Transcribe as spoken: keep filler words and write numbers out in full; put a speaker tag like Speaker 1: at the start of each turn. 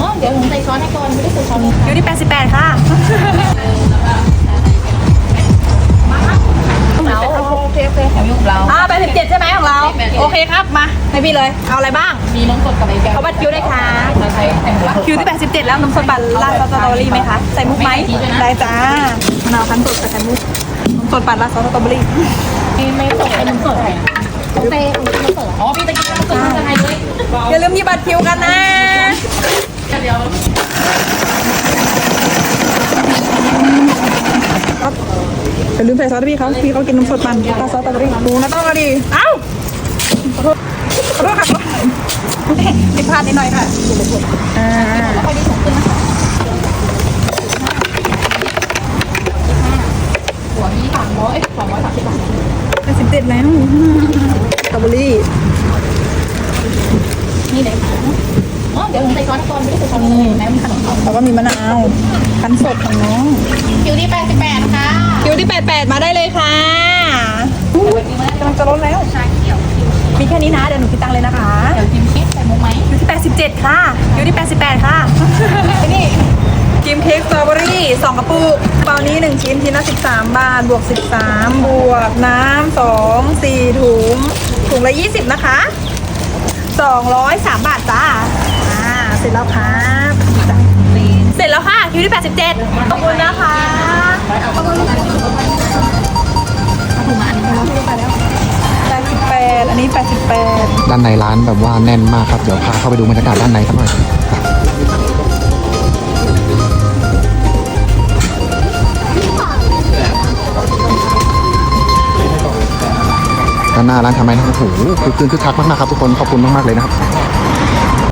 Speaker 1: เดี๋ยวหนูใส่ช้อนให้ก่อนไม่ได้ใส่ช้อน
Speaker 2: อยู่ที่แปดสิบแปดค่ะ
Speaker 1: เราโอเคโอเคแถวยุ่งเรา
Speaker 2: อ่าแปดสิบเจ็ดใช่ไหมของเราโอเคครับมาให้พี่เลยเอาอะไรบ้าง
Speaker 1: มีน้ำสดกับไอ้แก้ว
Speaker 2: เอาบัตรคิวได้ค่ะ
Speaker 1: เราใช้แผ่นละ
Speaker 2: คิวที่แปดสิบเจ็ดแล้วน้ำส้มปั่นราดซอสสตรอเบอรี่ไหมคะใส่มุกไหมได้จ้ามะนาวคั้นสดใส่ไข่มุกน้ำส้มปั่นราดซอสสตรอเบอรี่
Speaker 1: ไม่สดเป็นน้ำสดเต้ของน้ำสดอ๋อพี่ตะกี้น้ำสดอะไรเลย
Speaker 2: อย่าลืมหยิบบัตรคิวกันนะ
Speaker 1: เดี๋ยว
Speaker 2: อย่าลืมใส่ซอสให้พี่เขาพี่เขากินน้ำสดมันราดซอสสตรอเบอรี่ดูนะต้องเอาดีเอ้าขอโทษขอโทษค่ะผิดพลาดนิดหน่อยค่ะอ่า
Speaker 1: แล้วค่อยดีส่งขึ้นนะคะหัวนี้สามร้อยสองร้อยสามสิบบาท
Speaker 2: แปดสิบเจ็ดแล้วสตรอเบอรี่
Speaker 1: นี่เลยค่ะอ๋อเดี๋ยวหนูใส่ช้อนก่อนไม่ได้ใส่ช้อนเลยแม่มีขนม
Speaker 2: แล้วก็มีมะนาวคั้นสดของน้อง
Speaker 1: คิวที่แปดสิบแปดนะคะ
Speaker 2: คิวที่แปดสิบแปดมาได้เลยค่ะกำลังจะลดแล้ว
Speaker 1: ชาเขียว
Speaker 2: มีแค่นี้นะเดี๋ยวหนูคิดตังค์เลยนะคะ
Speaker 1: เดี๋ยวจิ้มเค้กใส่มุกไหม
Speaker 2: คิวที่แปดสิบเจ็ดค่ะคิวที่แปดสิบแปดค่ะไอ้นี่ครีมเค้กสตรอเบอรี่สองกระปุกเปล่านี้หนึ่งชิ้นชิ้นละสิบสามบาทบวกสิบสามบวกน้ำสองสี่ถุงถุงละยี่สิบนะคะสองร้อยสามบาทจ้าอ่าเสร็จแล้วครับเสร็จแล้วค่ะคิวที่แปดสิบเจ็ดขอบคุณนะคะขอบคุณค่ะแปดสิบแปดอันนี้แปดสิบแปด
Speaker 3: ด้านในร้านแบบว่าแน่นมากครับเดี๋ยวพาเข้าไปดูบรรยากาศด้านในสักหน่อยด้านหน้าร้านทำไมนะโอ้โหคือคืนคึกคักมากๆครับทุกคนขอบคุณมากๆเลยนะครับ